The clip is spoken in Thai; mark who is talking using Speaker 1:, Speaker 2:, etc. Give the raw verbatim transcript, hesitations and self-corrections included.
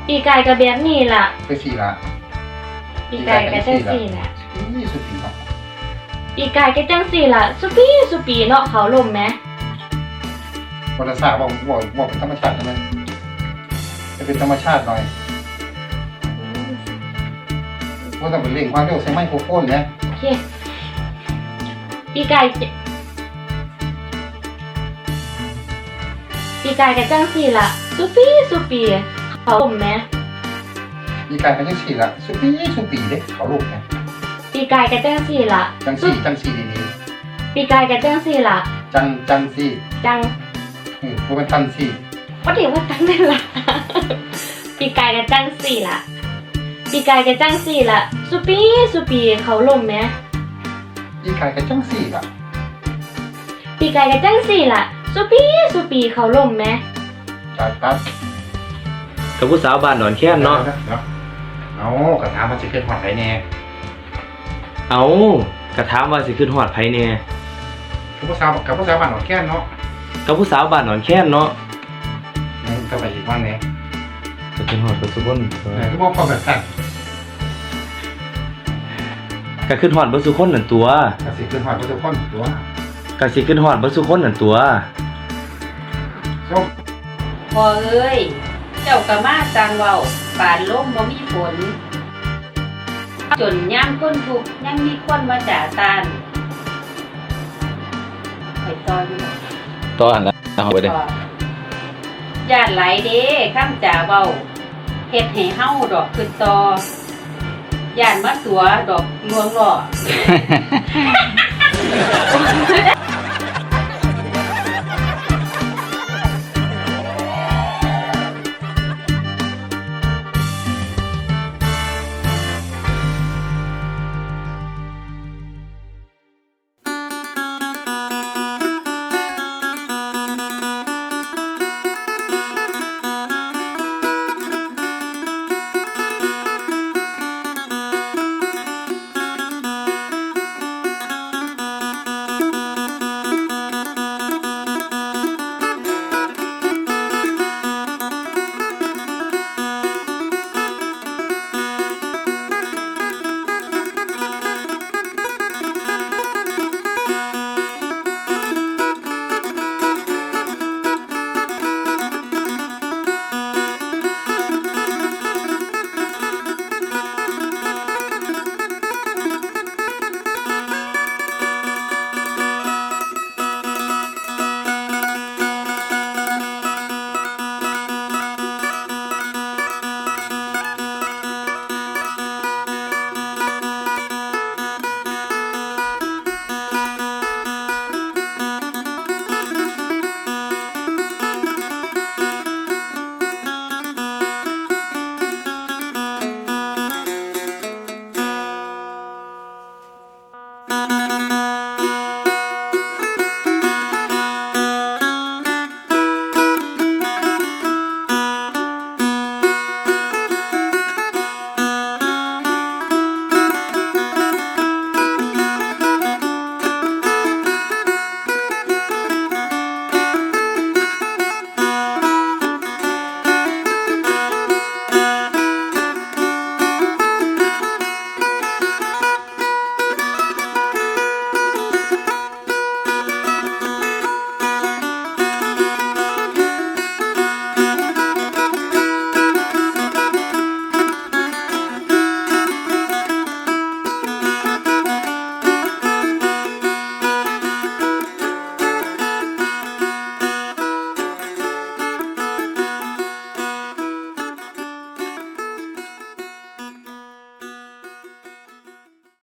Speaker 1: ปีกายกับแบบนี้ล่ะ
Speaker 2: คือสี่ละ
Speaker 1: ปีกายกับจังสี่ล่ะ
Speaker 2: นี่สุดปีเนาะ
Speaker 1: ปีกายกับจังสี่ล่ะสุปีสุปีเนาะเขาลมไหม
Speaker 2: วันละสาบอกบอกบอกเป็นธรรมชาติใช่ไหมจะเป็นธรรมชาติหน่อยว่าต้องเป็นเร่งความเร็วใช้ไมโครโฟนนะ
Speaker 1: โอเคปีกายจะปีกายกับจังสี่ล่ะสุปีสุปีเขาลมไหม
Speaker 2: มีการเป็นจังสี่ละสุปีสุปีเด้เขาลูกนะ
Speaker 1: ปีกายกับจังสี่ล่ะ
Speaker 2: จังสี่จังสี่ดี
Speaker 1: ปีกายกับจังสี่ล่ะ
Speaker 2: ๆจังจังสี่
Speaker 1: จัง
Speaker 2: เออว่าเป็นทันสี่
Speaker 1: ว่าเดี๋ยวว่าจังนั่นล่ะ ปีกายกับจังสี่ล่ะ ปีกายกับจังสี่ล่ะสุปีสุปีเขาลมไหม
Speaker 2: มีการเป็นจังสี่ละ
Speaker 1: ปีกายกับจังสี่ล่ะสุปีสุปีเขาลมไหม
Speaker 2: ตัดตัด
Speaker 3: กับผู้สาวบ้านหนอนแค้นเนาะ
Speaker 2: เอากระถางมันจะขึ้นหอดไรแน่
Speaker 3: เอากระถามว่าสิขึ้นฮอดไผแน่
Speaker 2: กับผู้สาวกับผู้สาวบ้านหอดแก้นเนาะ
Speaker 3: กับผู้สาวบ้านหนอนแค้นเนาะ
Speaker 2: นี่ก็ไปอีกวันนี้
Speaker 3: ก็ขึ้นฮอดบ่ซุคน
Speaker 2: ทุกคนพอแบบนั้น
Speaker 3: ก็ขึ้นฮอดบ่ซุคนนั่นตัว
Speaker 2: กระสิขึ้นหอดทุกคนตัว
Speaker 3: ก็สิขึ้นฮอดบ่ซุคนนั่นตัว
Speaker 2: ส้ม
Speaker 4: พอเอ้ย เจ้ากะมาสร้างเว้าปานลมบ่มีฝน จนย่ามคนทุกข์ยังมีคนมาจ่าตานไปต่ออยู่
Speaker 3: ต่อหันละเอาไปเด้
Speaker 4: ต่อญาติหลายเด้คำจ่าเว้าเฮ็ดให้เฮาดอกคือต่อย่านมาตัวดอกลวงหล่อ